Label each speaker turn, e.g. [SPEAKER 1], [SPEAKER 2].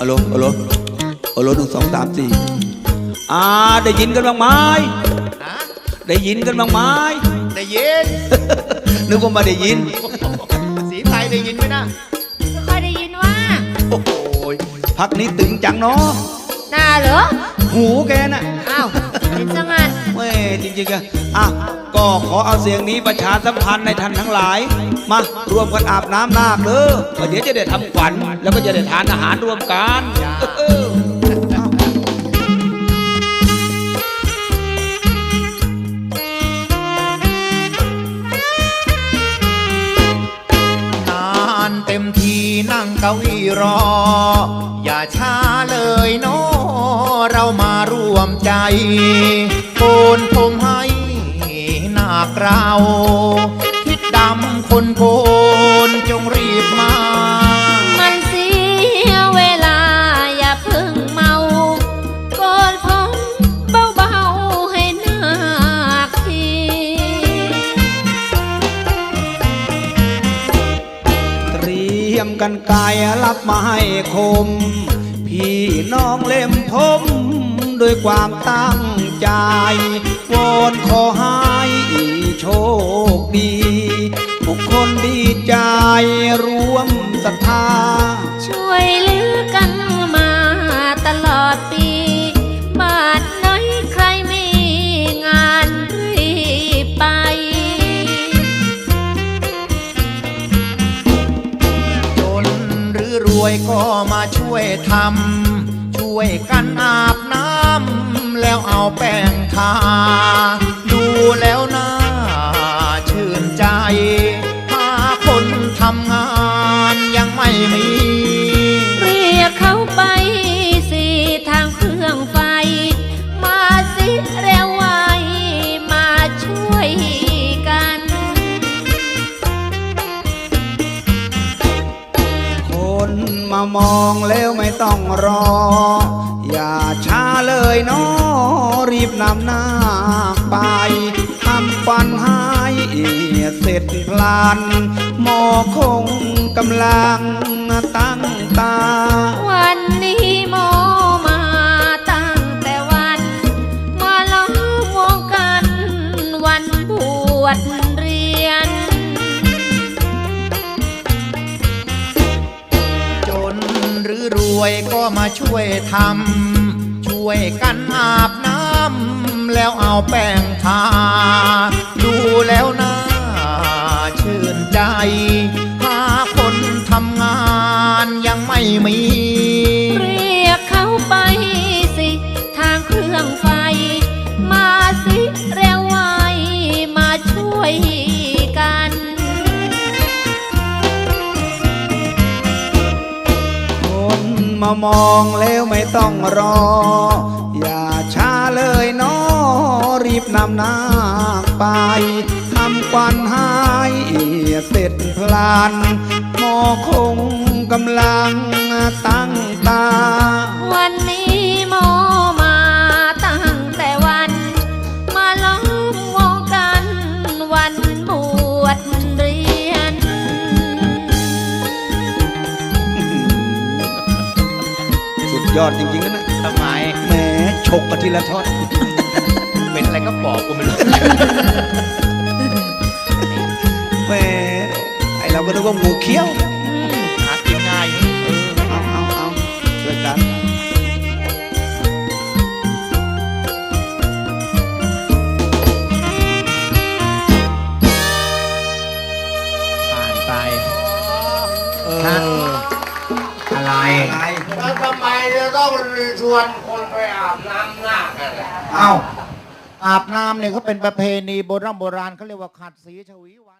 [SPEAKER 1] โหลฮัลโหลฮัลโหล1 2 3 4ได้ยินกันบ้างไหมได้ยินกันบ้างไหม
[SPEAKER 2] ได้ยิน
[SPEAKER 1] นึกว่าไม่ได้ยิน
[SPEAKER 2] สีไทยได้ยินไหมนะ
[SPEAKER 3] ไม่ค่อยได้ยินว่า
[SPEAKER 1] โอ้โหพักนี้ตึงจังเนาะ
[SPEAKER 3] น่าเหรอ
[SPEAKER 1] หูแกน่ะ
[SPEAKER 3] อ้าวเป็นจังงั้น
[SPEAKER 1] เว้ยจริงๆอ่ะก็ขอเอาเสียงนี้ประชาสัมพันธ์ในท่านทั้งหลายมารวมกันอาบน้ำนาคเด้อเดี๋ยวจะได้ทำขวัญแล้วก็จะได้ทานอาหารรวมกัน
[SPEAKER 2] เต็มทีนั่งเก้าอี้รออย่าช้าเลยเนาะเรามาร่วมใจโกนผมให้นาคเราทิศดำคนโกนจงรีบมา
[SPEAKER 3] มันเสียเวลาอย่าเพิ่งเมาโกนผมเบาๆให้นาคที
[SPEAKER 1] กันไกลรับมาให้คมพี่น้องเล่มผมด้วยความตั้งใจวอนขอให้โชคดีทุกคนดีใจรวมศรัทธา
[SPEAKER 3] ช่วยเหลือกันมาตลอดปีบ้านไหนใครมีงานรีบไป
[SPEAKER 2] รวยก็มาช่วยทำช่วยกันอาบน้ำแล้วเอาแป้งทาดูแล้วน่าชื่นใจหาคนทำงานยังไม่มี
[SPEAKER 3] เรียกเขาไปสิทางเครื่องไฟมาสิเร็วไวมาช่วยกัน
[SPEAKER 1] มามองแล้วไม่ต้องรออย่าช้าเลยเนาะรีบนำนาคไปทำปันให้เสร็จพลันหมอคงกำลังตั้งตา
[SPEAKER 3] วันนี้หมอมาตั้งแต่วันมาล้อมวงกันวันบวชเรียน
[SPEAKER 2] รวยก็มาช่วยทำช่วยกันอาบน้ำแล้วเอาแป้งทาดูแล้วน่าชื่นใจหาคนทำงานยังไม่มี
[SPEAKER 3] เรียกเขาไปสิทางเครื่องไฟมาสิเร็วไวมาช่วยกัน
[SPEAKER 1] มามองแล้วไม่ต้องรออย่าช้าเลยเนาะรีบนำนาคไปทำควันให้เสร็จพลันหมอคงกำลังตั้งตา
[SPEAKER 3] วันนี้หมอมาตั้งแต่วันมาล้อมวงกันวันบวชเรียน
[SPEAKER 1] ยอดจริงๆนะ
[SPEAKER 2] ทำไม
[SPEAKER 1] แหมฉกกันทีละทอด
[SPEAKER 2] เป็นอะไรก็บอกกูไม่รู้
[SPEAKER 1] แหมไอเราก็นึกว่างูเขี้ยว
[SPEAKER 2] หากินง่าย
[SPEAKER 1] เอาช่วยกัน
[SPEAKER 2] ผ่านไปอะไร
[SPEAKER 4] แล้วทำไมจะต้องชวนคนไปอาบน้ำนาคกัน
[SPEAKER 2] เอ้าอาบน้ำเนี่ยเขาเป็นประเพณีโบราณเขาเรียกว่าขัดสีชวีวัน